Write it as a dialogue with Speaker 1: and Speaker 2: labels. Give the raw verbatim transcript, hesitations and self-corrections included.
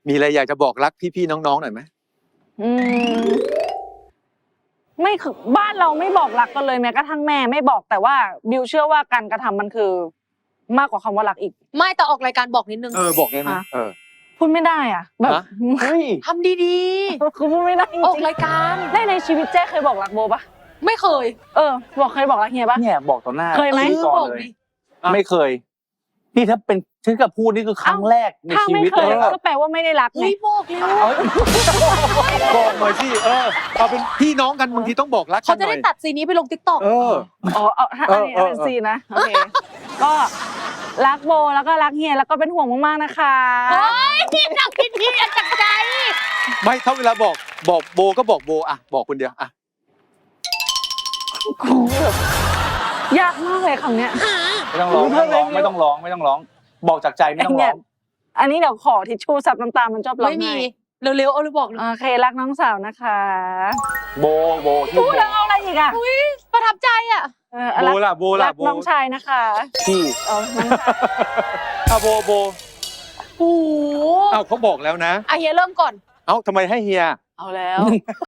Speaker 1: มีอะไรอยากจะบอกรักพี่ๆน้องๆหน่อยไหม
Speaker 2: อืมไม่คือบ้านเราไม่บอกรักกันเลยแม้กระทั่งแม่ไม่บอกแต่ว่าบิวเชื่อว่าการกระทำมันคือ มากกว่าคำว่ารักอีก
Speaker 3: ไม่แต่ออกรายการบอกนิดนึง
Speaker 1: เออบอกได้ไหมเออ
Speaker 2: พูดไม่ได้อ่ะแบบ
Speaker 1: เฮ้ย
Speaker 3: ทำดี
Speaker 2: ๆคือพูดไม่ได้จริง
Speaker 3: ๆออกรายการ
Speaker 2: ได้ในชีวิตเจ๊เคยบอกรักโบปะ
Speaker 3: ไม่เคย
Speaker 2: เออบอกเคยบอกรักเฮียปะ
Speaker 4: เนี่ยบอกต่อหน้า
Speaker 2: เคยไหม
Speaker 3: บอกดิ
Speaker 4: ไม่เคยนี่ถ้าเป็นถึงกับพูดนี่คือครั้งแรกใน
Speaker 2: ถ้า
Speaker 4: ชี
Speaker 2: ไม่
Speaker 4: วิต
Speaker 2: เค
Speaker 4: เลย ย
Speaker 2: ก็แปลว่าไม่ได้รักไง
Speaker 3: เฮ้ยบอกเร็ว
Speaker 1: บอกหน่อยสิเออเอาเป็นพี่น้องกันบางทีต้องบอกรักกั
Speaker 3: เขา
Speaker 1: นห
Speaker 3: จะ
Speaker 1: น่อ
Speaker 3: ได้
Speaker 1: ย
Speaker 3: ตัดซีนนี้ไปลงติ๊กต็อก
Speaker 1: เออ
Speaker 2: อ๋อเอาถ้าอันนี้
Speaker 1: เออเออ
Speaker 2: เป็นซีนนะโอเคก็รักโบแล้วก็รักเฮียแล้วก็เป็นห่วงมากๆนะคะ
Speaker 3: เฮ้ยนักพิธีจากใจ
Speaker 1: ไม่ถ้าเวลาบอกบอกโบก็บอกโบอ่ะบอกคนเดียวอ่ะ
Speaker 2: ยากมากเลยคำเนี้ย
Speaker 4: ไม่ต้องร้องไม่ต้องร้องไม่ต้องร้องไม่ต้องร้อง บอกจากใจไม่ต้องร้อง
Speaker 2: อันนี้เดี๋ยวขอทิชชู่ซับน้ำตามันชอบร้อง
Speaker 3: ไม่มี
Speaker 2: ไห้
Speaker 3: เร็วๆเอาเลยบอกเลย
Speaker 2: โอเครักน้องสาวนะคะ
Speaker 4: โบโบที่
Speaker 2: พูด
Speaker 4: โบ
Speaker 2: แล้วเอาอะไรอีกอ่ะ
Speaker 3: อุ้ยประทับใจอ่ะ
Speaker 2: เออ
Speaker 1: โบ
Speaker 2: รัก
Speaker 1: ล่ะโบ
Speaker 2: รั
Speaker 1: ล่ะ
Speaker 2: ก
Speaker 1: โบ
Speaker 2: น้องชายนะคะ
Speaker 4: ที่
Speaker 2: เอาน้องชาย
Speaker 1: อ่ะโบโบ
Speaker 3: โอ้โห
Speaker 1: เอ้าเขาบอกแล้วนะ
Speaker 3: อ่ะเฮียเริ่มก่อน
Speaker 1: เอ้าทำไมให้เฮีย
Speaker 2: เอาแล้ว